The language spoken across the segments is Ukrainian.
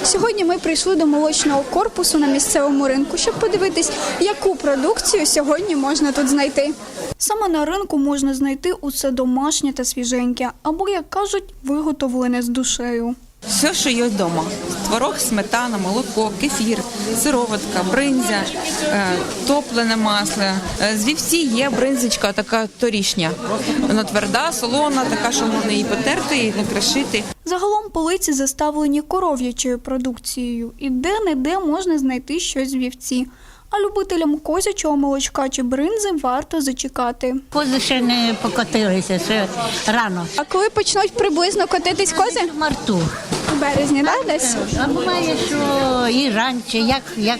Сьогодні ми прийшли до молочного корпусу на місцевому ринку, щоб подивитись, яку продукцію сьогодні можна тут знайти. Саме на ринку можна знайти усе домашнє та свіженьке, або, як кажуть, виготовлене з душею. Все, що є вдома. Творог, сметана, молоко, кефір, сироватка, бринзя, топлене масло. З вівці є бринзочка така торішня. Вона тверда, солона, така, що можна її потерти і накришити. Загалом полиці заставлені коров'ячою продукцією, і де-не-де можна знайти щось з вівці. А любителям козячого молочка чи бринзи варто зачекати. Кози ще не покотилися, ще рано. А коли почнуть приблизно котитись кози? В марту. У березні, так, десь? А буває, що і раніше, як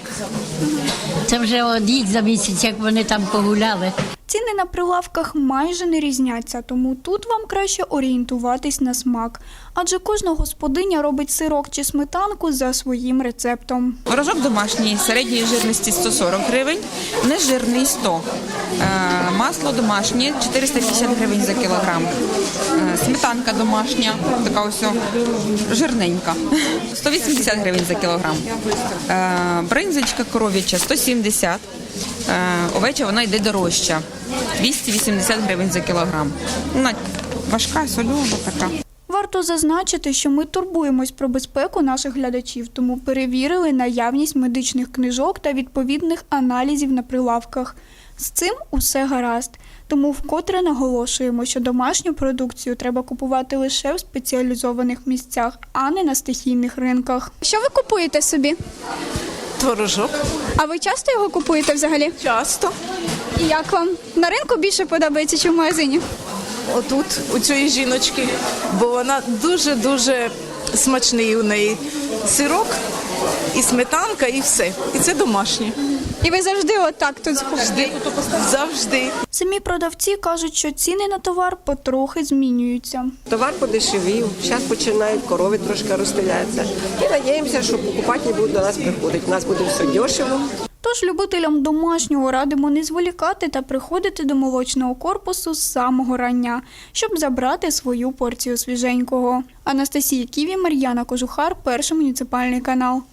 це вже одіть за місяць, як вони там погуляли. Ціни на прилавках майже не різняться, тому тут вам краще орієнтуватись на смак. Адже кожна господиня робить сирок чи сметанку за своїм рецептом. Творожок домашній, середньої жирності 140 гривень, нежирний 100. Масло домашнє 450 гривень за кілограм. Сметанка домашня, така ось жирненька, 180 гривень за кілограм. Бринзочка коров'яча 170. Овеча вона йде дорожча, 280 гривень за кілограм. Вона важка, солена така. Варто зазначити, що ми турбуємось про безпеку наших глядачів, тому перевірили наявність медичних книжок та відповідних аналізів на прилавках. З цим усе гаразд. Тому вкотре наголошуємо, що домашню продукцію треба купувати лише в спеціалізованих місцях, а не на стихійних ринках. Що ви купуєте собі? Творожок. А ви часто його купуєте взагалі? Часто. І як вам? На ринку більше подобається, чи в магазині? Отут, у цієї жіночки, бо вона дуже-дуже смачний у неї сирок, і сметанка, і все. І це домашнє. І ви завжди отак тут Завжди. Завжди. Самі продавці кажуть, що ціни на товар потрохи змінюються. Товар подешевів, зараз починають, корови трошки розстріляються. І надіємося, що покупателі будуть до нас приходити. У нас буде все дешево. Тож любителям домашнього радимо не зволікати та приходити до молочного корпусу з самого рання, щоб забрати свою порцію свіженького. Анастасія Ківі, Мар'яна Кожухар, Перший муніципальний канал.